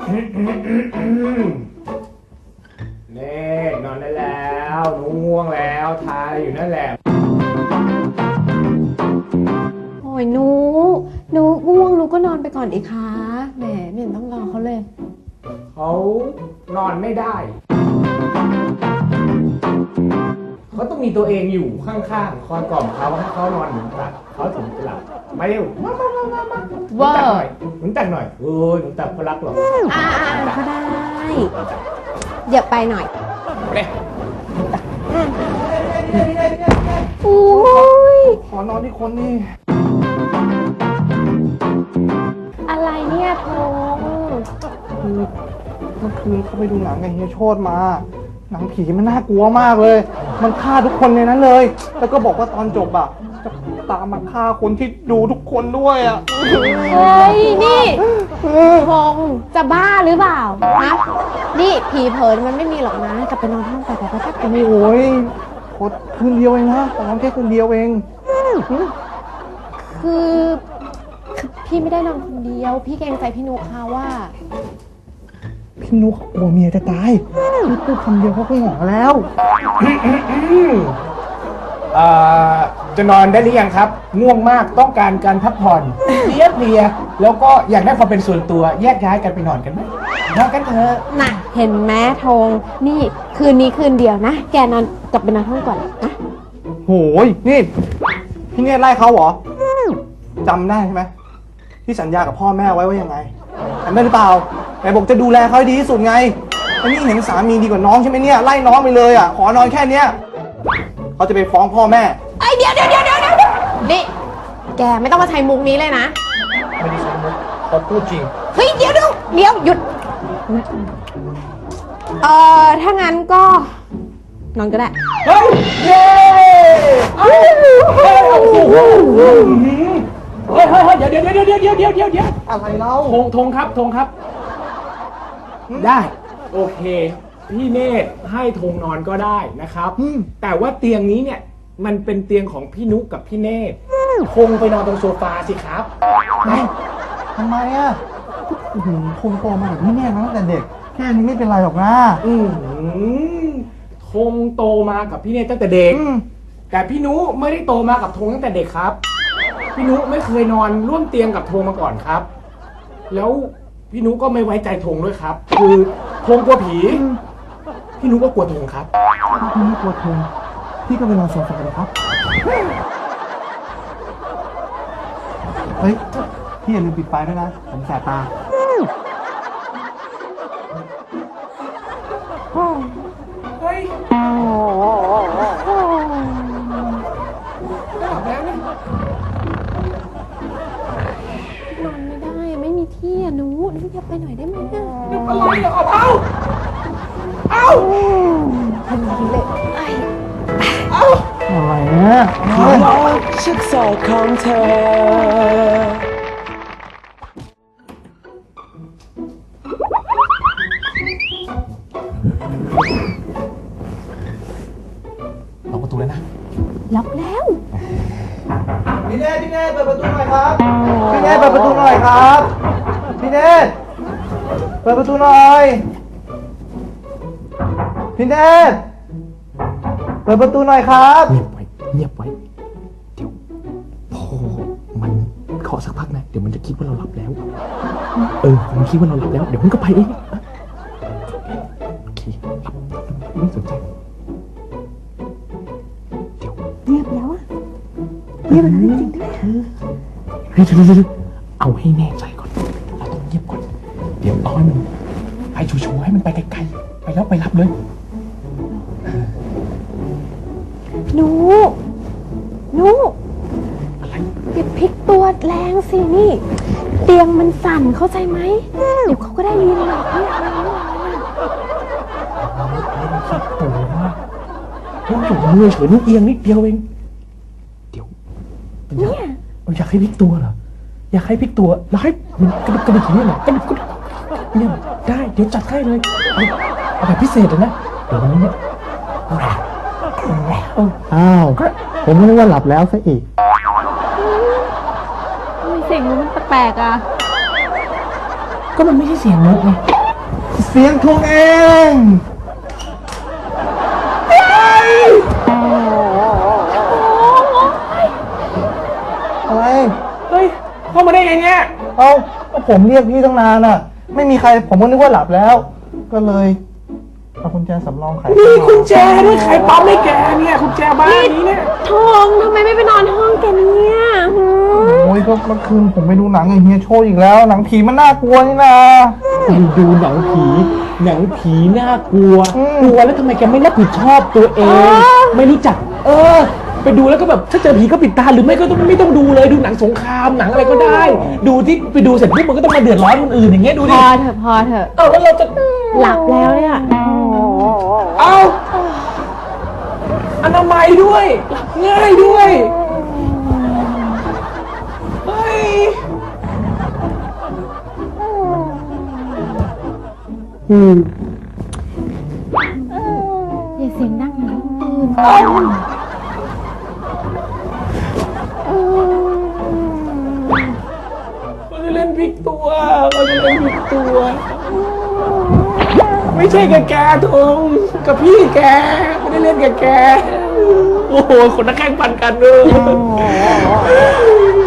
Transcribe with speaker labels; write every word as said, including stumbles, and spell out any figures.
Speaker 1: เน่นอนได้แล้วหนูง่วงแล้วทายอยู่นั่นแหละ
Speaker 2: โอ้ยหนูหนูง่วงหนูก็นอนไปก่อนอีกคะแหมไม่เห็นต้องรอเขาเลย
Speaker 1: เขานอนไม่ได้เขาต้องมีตัวเองอยู่ข้างๆคอยกล่อมเขาให้เขานอนหนุนตักเขาถึงจะหลับมาเร็วมามามามามาหนุนตักหน่อยหนุนตักหน่อยเออหนุนตักเขารักหรอ
Speaker 2: อ่าก็ได้เดี๋ยวไปหน่อย
Speaker 1: เลย
Speaker 2: โอ้ย
Speaker 1: ขอนอนที่คนนี่
Speaker 2: อะไรเนี่ยทง
Speaker 3: คือเมื่อคืนเขาไปดูหนังกับเฮียโชติมาหนังผีมันน่ากลัวมากเลยมันฆ่าทุกคนในนั้นเลยแล้วก็บอกว่าตอนจบอ่ะจะตามมาฆ่าคนที่ดูทุกคนด้วยอ่ะ
Speaker 2: เฮ้ยนี่ทงจะบ้าหรือเปล่าฮะนี่ผีเผินมันไม่มีหรอกนะกลับไปนอนห้องไปไปไปไปไป
Speaker 3: โอ้ยโคตรคืนเดียวเองนะตอนแค่คืนเดียวเอง
Speaker 2: คือพี่ไม่ได้นอนคนเดียวพี่เกรงใจพี่นุ๊กค่ะว่า
Speaker 3: พี่นุ๊กกลัวเมียจะตายพี่พูดคำเดียวเขาก็หงอแล้ว
Speaker 1: จะนอนได้หรือยังครับง่วงมากต้องการการพักผ่อนเพลียเพลียแล้วก็อยากได้ความเป็นส่วนตัวแยกย้ายกันไปนอนกันไหมนอนกันเถอะ
Speaker 2: น่ะเห็นไหมธงนี่คืนนี้คืนเดียวนะแกนอนกลับไปนอนห้องก่อนนะ
Speaker 3: โหยนี่พี่เนี่ยไล่เขาเหรอจำได้ใช่ไหมที่สัญญากับพ่อแม่ไว้ว่ายังไงจำได้หรือเปล่าไหนบอกจะดูแลเขาให้ดีที่สุดไงอันนี้เห็นสามีดีกว่าน้องใช่ไหมเนี่ยไล่น้องไปเลยอ่ะขอนอนแค่เนี้ยเขาจะไปฟ้องพ่อแม่
Speaker 2: ไอเดี๋ยวเดี๋ยวเดี๋ยวเดี๋ยวนี่แกไม่ต้องมาใช้มุกนี้เลยนะ
Speaker 1: ไม่ได้ใช้มุกเขาพูดจริง
Speaker 2: เฮ้ยเดี๋ยวเดี๋ยวเดี๋ยวหยุดเอ่อถ้างั้นก็นอนก็ได้
Speaker 1: เฮ้ยเย้เฮ้ยเฮ้ยเฮ้ยเดี๋ยวเดี๋ยวเดี๋ยวเดี๋ยวเดี๋ยวเดี๋ยวเดี๋ยวเดี๋ยว
Speaker 3: อะไรเล่า
Speaker 1: ธงธงครับธงครับได้โอเคพี่เนตรให้ธงนอนก็ได้นะครับแต่ว่าเตียงนี้เนี่ยมันเป็นเตียงของพี่นุกับพี่เนตรคงไปนอนตรงโซฟาสิครับ
Speaker 3: ทำไมอ่ะคงโตมาแบบพี่เนตรมาตั้งแต่เด็กแค่นี้ไม่เป็นไรหรอกนะ
Speaker 1: คงโตมากับพี่เนตรตั้งแต่เด็กแต่พี่นุไม่ได้โตมากับธงตั้งแต่เด็กครับพี่นุไม่เคยนอนร่วมเตียงกับธงมาก่อนครับแล้วพี่นุก็ไม่ไว้ใจธงด้วยครับคือธงกลัวผีพี่นุก็กลัวธงครับ
Speaker 3: พี่นุกลัวธงพี่ก็ไปนอนโซฟาเลยครับเฮ้ยพี่อย่าลืมปิดไฟด้วยนะผมแสบตา
Speaker 1: เฮ้ย
Speaker 2: นอนไม่ได้ไม่มีที่อ่ะหนูหนูอย่าไปหน่อยได้ไหมอ่ะ
Speaker 1: นึกอะไรเหรอเอาเอา
Speaker 2: ทำดีเลยไอ้
Speaker 1: เอา
Speaker 3: อะไรเนี่ย
Speaker 4: ชักสอดของเธอ
Speaker 1: ล็อกประตูแล้วนะ
Speaker 2: ล็อกแล้ว
Speaker 3: พี่เนตรพี่เนตรเปิดประตูหน่อยครับพี่เนตรเปิดประตูหน่อยครับพี่เนตรเปิดประตูหน่อยพี่เนตรเปิดประตูหน่อยครับ
Speaker 1: เงียบไว้เงียบไว้เดี๋ยวพอมันเคาะสักพักนะเดี๋ยวมันจะคิดว่าเราหลับแล้วเออมันคิดว่าเราหลับแล้วเดี๋ยวมันก็ไปเองโอเคหลับไม่สนใจเดี๋ยว
Speaker 2: เงียบแล้วอ่ะเงียบแล้วจริงๆด้วย
Speaker 1: เฮ้ยเดี๋ยวเอาให้แน่ใจก่อนเราต้องเงียบก่อนเดี๋ยวเอาให้มันไปชัวร์ๆให้มันไปไกลๆไปแล้วไปรับเลย
Speaker 2: หนูหนูอะไรอย่าพลิกตัวแรงสินี่เตียงมันสั่นเข้าใจไหมเดี๋ยวเขาก็ได้ยินหรอกเนี่ยอะไรเนี่ย
Speaker 1: คิดตัวมากพวกอยู่มือเฉยนิดเอียงนิดเดียวเองเดี๋ยว
Speaker 2: เนี่ย
Speaker 1: อยากให้พลิกตัวเหรออยากให้พลิกตัวแล้วให้มันกระดิกกระดิกอย่างนี้เหรอกระดิกกระดิกเนี่ยได้เดี๋ยวจัดให้เลยเอาเอาแบบพิเศษเลยนะเดี๋ยววันนี้เนี่ย
Speaker 3: อ้าวผมนึกว่าหลับแล้วซะอีก
Speaker 2: ทำไมเสียงมันแปลกๆอ่ะ
Speaker 1: ก็มันไม่ใช่เสียงนกไง
Speaker 3: เสียงทงเอง อะไร
Speaker 1: เฮ้ยเข้ามาได้ไงเนี่ย
Speaker 3: เอ้าก็ผมเรียกพี่ตั้งนานอ่ะ ไม่มีใครผมก็นึกว่าหลับแล้ว ก็เลยเอากุญแจสำรองไข
Speaker 1: มีกุญแจด้วยใครปั๊มให้แกเนี่ยกุญแจบ้านนี้เนี่ย
Speaker 2: ทองทำไมไม่ไปนอนห้องแกเนี่ยหืม
Speaker 3: โอ้ยก็เมื่อคืนผมไปดูหนังไอ้เฮียโชว์อีกแล้ว หนังผีมันน่ากลัวนี่นะ
Speaker 1: ดูหนังผีหนังผีน่ากลัว
Speaker 3: อืม
Speaker 1: กลัวแล้วทำไมแกไม่รับผิดชอบตัวเอง ไม่รู้จัก เออ ไปดูแล้วก็แบบถ้าเจอผีก็ปิดตาหรือไม่ก็ต้องไม่ต้องดูเลยดูหนังสงครามหนังอะไรก็ได้ ดูที่ไปดูเสร็จปุ๊บมันก็ต้องมาเดือดร้อนคนอื่นอย่างเงี้ยดู
Speaker 2: พ
Speaker 1: ดิ
Speaker 2: อเถอะพอเถอะ
Speaker 1: เออแล้วเราจะ
Speaker 2: หลับแล้วเนี่ย
Speaker 1: เอาอนามัยด้วยหลับง่ายด้วยเฮ้ยอืม
Speaker 2: อย่าเสียงดังนะตื่น
Speaker 1: เขาจะเล่นพลิกตัวเขาจะเล่นพลิกตัว ไม่ใช่กับแกทงกับพี่แกไม่ได้เล่นกับแก โอ้โหคนนักแข่งปันกันเลย